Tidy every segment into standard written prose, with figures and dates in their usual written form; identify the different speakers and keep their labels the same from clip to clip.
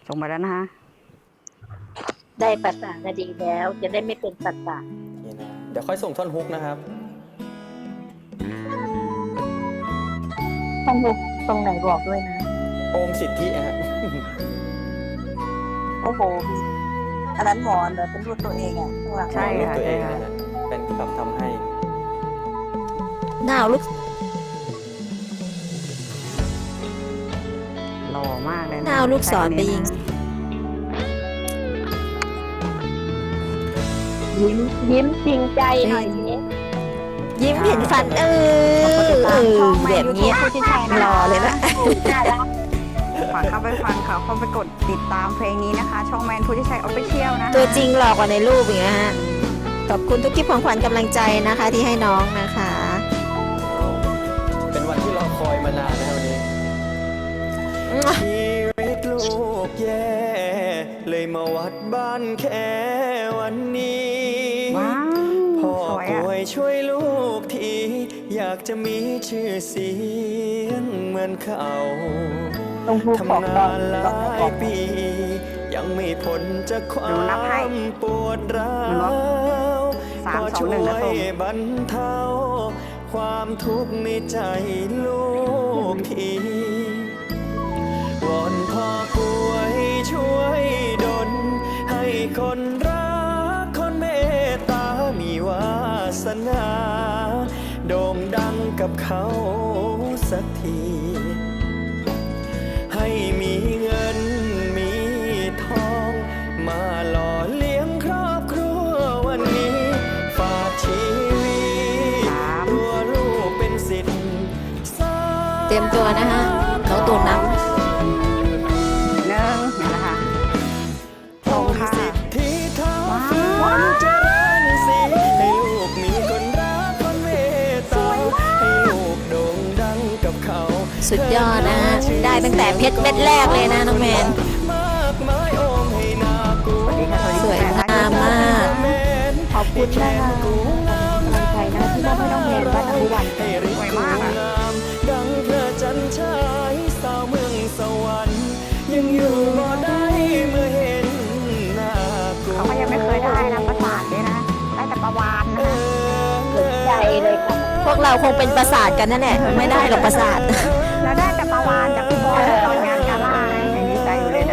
Speaker 1: ส่งมาแล้วนะคะ
Speaker 2: ได้ประสานคดีแล้วจะได้ไม่เป็นประสาท
Speaker 3: นี่นะเดี๋ยวค่อยส่งท่อนฮุกนะครับ
Speaker 2: ต้องดูตรงไหนบอกด้วยนะ
Speaker 3: โอมสิทธิฮะ
Speaker 2: โอ้โหอันนั้นหมอนเหรอเป็นรูปตัวเองอ่ะข้างหลัง
Speaker 1: ใช่
Speaker 3: รูป
Speaker 1: ค่ะ
Speaker 3: ตัวเอ
Speaker 1: ใช่
Speaker 3: ง
Speaker 1: ค่ะ
Speaker 3: นะฮะเป็นแบบทำให้
Speaker 4: หน้าเอาลูก
Speaker 1: หล่อมากเลยนะ
Speaker 4: หน้าเอาลูกศรไปยิง
Speaker 2: ยิ้มจริงใจหน่อยสิ
Speaker 4: ยิ้มเห็นฟันแบบนี้
Speaker 1: ผู้ที่ใช่นะ
Speaker 4: หล่อเลยนะ
Speaker 2: น่ารัก
Speaker 1: ฝากเข้าไปฟังค่ะเข้าไปกดติดตามเพลงนี้นะคะ ช่องแมนผู้ที่ใช้ออฟฟิเชียลนะคะ
Speaker 4: ตัวจริงหล่อกว่าในรูปอีกนะฮะ ขอบคุณทุกคลิปของขวัญกำลังใจนะคะ ที่ให้น้องนะคะ
Speaker 3: เป็นวันที่รอคอยมานานนะครับวันนี้ชีวิตลูกแย่เลยมาวัดบ้านแค่วันนี้
Speaker 1: ว้าว
Speaker 3: พ่อ
Speaker 1: สวย
Speaker 3: ป่
Speaker 1: อ่ะ
Speaker 3: วยช่วยลูกทีอยากจะมีชื่อเสียงเหมือนเขา
Speaker 2: ต้องพูดของ
Speaker 3: ทำ
Speaker 2: ตอง
Speaker 3: านหล
Speaker 2: ต้อง
Speaker 3: า
Speaker 2: บอย ก
Speaker 3: ปี ยังไม่พ้นจากควา
Speaker 1: หนูนับให้
Speaker 3: มปวดร้า
Speaker 1: หนูนับ
Speaker 3: ว
Speaker 1: 3
Speaker 3: พอ
Speaker 1: 2
Speaker 3: ช่ว
Speaker 1: 1นะส้ม
Speaker 3: ยบรรเทาความทุกข์ในใจลูกทีวอนพ่อป่วยช่วยดลให้คนรักคนเมตตามีวาสนาโด่งดังกับเขาสักที ให้มีเงินมีทองมาหล่อเลี้ยงครอบครัววันนี้ ฝากชีวิตตัวลูกเป็นสิทธิ์
Speaker 4: เตรียมตัวนะฮะน้องตูนนับ
Speaker 1: 1นี่แหละค่ะตรงค่ะ
Speaker 3: สิทธิเท่า
Speaker 1: ว้าว
Speaker 3: ฟ้าเจริญสิให้ลูกมีคนรักคนเมตตาให้ลูกโด่งดังกับเขา
Speaker 4: สุดยอดนะฮะ ได้ตั้งแต่เพชรเม็ดแรกเลยนะน้องแมน
Speaker 3: มากมายโอมให้นากู
Speaker 1: สวัสดีค่ะ
Speaker 4: สวยงามมาก
Speaker 2: ขอบคุณนะคะกำลังใจนะที่มอบให้น้องแมนบ้านอนุวัน
Speaker 3: ให้ริกงามดังพระจันทร์ฉายสาวเมืองสวรรค์ยังอยู่บ่ได้เมื่อเห็นหน้ากู
Speaker 1: เขาก็ยังไม่เคยได้นะประสาทเลยนะ ได้แต่ประวานนะ
Speaker 2: สนใจเลยค่ะ
Speaker 4: พวกเราคงเป็นประสาทกันนั่นแหละไม่ได้หรอกประสาท
Speaker 1: แล้วได้แต่ประวานจากพี่บอยตอนงานกาล่านะยังดีใจอยู่เลยนะ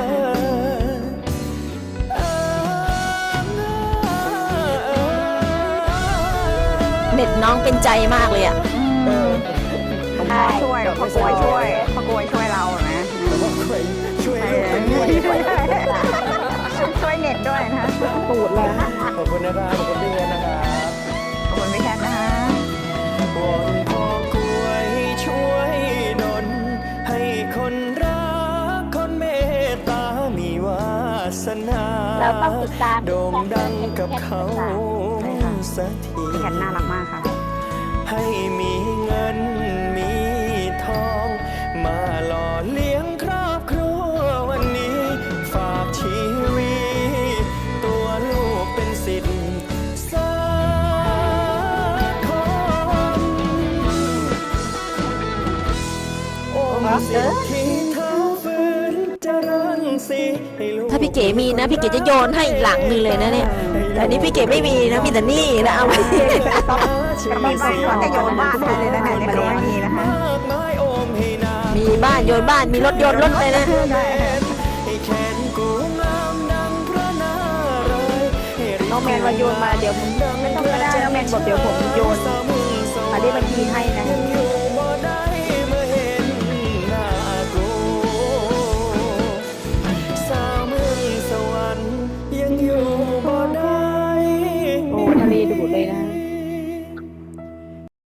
Speaker 4: เน็ตน้องเป็นใจมากเลยอ่ะ
Speaker 1: ผมพ่อช่วยพ่อกลวยช่วยพ่อกลวยช่วยเรานะ
Speaker 3: ช่วยลูกเป็นด้วย
Speaker 1: ช่วยเน็ตด้วยนะ
Speaker 2: ตูดเลยนะ
Speaker 3: ขอบคุณนะครับขอบคุณพี่เงินนะครับ
Speaker 1: ขอบคุณพี่แคทนะคะ
Speaker 3: วอนพ่อกล้วยช่วยดลให้คนรักคนเมตตามีวาสนา
Speaker 2: เราต้องติดตาม
Speaker 3: โด่งดังกับเขาสักที
Speaker 1: พี่แคทน่ารักมากค่ะ
Speaker 3: ให้มีเงินมีทอง มาหล่อเลี้ยงครอบครัววันนี้ ฝากชีวิตตัวลูกเป็นสิทธิ์สักคนโอ้สิทธิเท้าฝืนเจริญสิให้ลูก
Speaker 4: ถ้าพี่เก๋มีนะพี่เก๋จะโยนให้อีกหลังหนึงเลยนะเนี่ยแต่อันนี้พี่เก๋ไม่มีนะมีแต่นี่นะเอาไป
Speaker 1: กำลังใจเขาจะโยนบ้านให้เลยนะเนี่ยในเขาไม่มีนะคะ
Speaker 4: มีบ้านโยนบ้านมีรถโยนรถเลยนะ
Speaker 3: ให้แขนกูงามดังพระนารายณ์ให้ริ
Speaker 2: น้องแมนว่าโยนมาเดี๋ยวผมไม่ต้องก็ได้น้องแมนบอกเดี๋ยวผมโยนมาได้บัญชีให้นะ
Speaker 3: ยังอยู่